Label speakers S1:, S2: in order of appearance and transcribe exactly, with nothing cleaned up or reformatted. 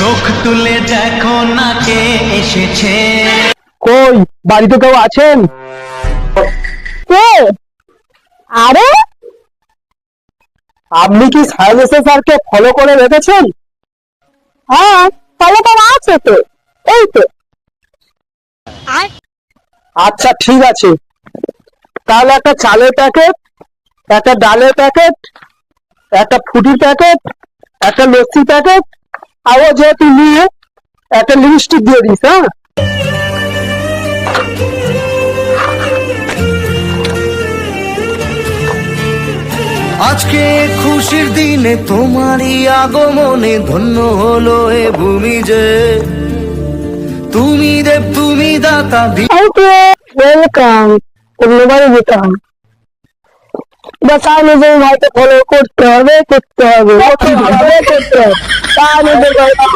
S1: চোখ তুলে দেখো না কে এসেছে।
S2: কই বাড়িতে কেউ আছেন?
S3: কে? আরে
S2: আপনি কি সাইলেন্সার স্যারকে ফলো করে রেখেছেন?
S3: হ্যাঁ, তাহলে তো আছে তো, এই তো।
S2: আচ্ছা ঠিক আছে, তাহলে একটা চালের প্যাকেট, একটা ডালের প্যাকেট, একটা ফুটির প্যাকেট, একটা লস্যির প্যাকেট, আর ও যেহেতু নিয়ে একটা লিপস্টিক দিয়ে দিস। হ্যাঁ,
S1: আজকে খুশির দিনে তোমারই আগমনে ধন্য হলো এ ভূমি যে, তুমি দেব তুমি দাতা।
S3: Thank you, welcome. ধন্যবাদ দিতাম, বাস আর নিজের ভাইকে ফলো করতে হবে, করতে হবে, করতে হবে, করতে হবে। তা নিজের ভাই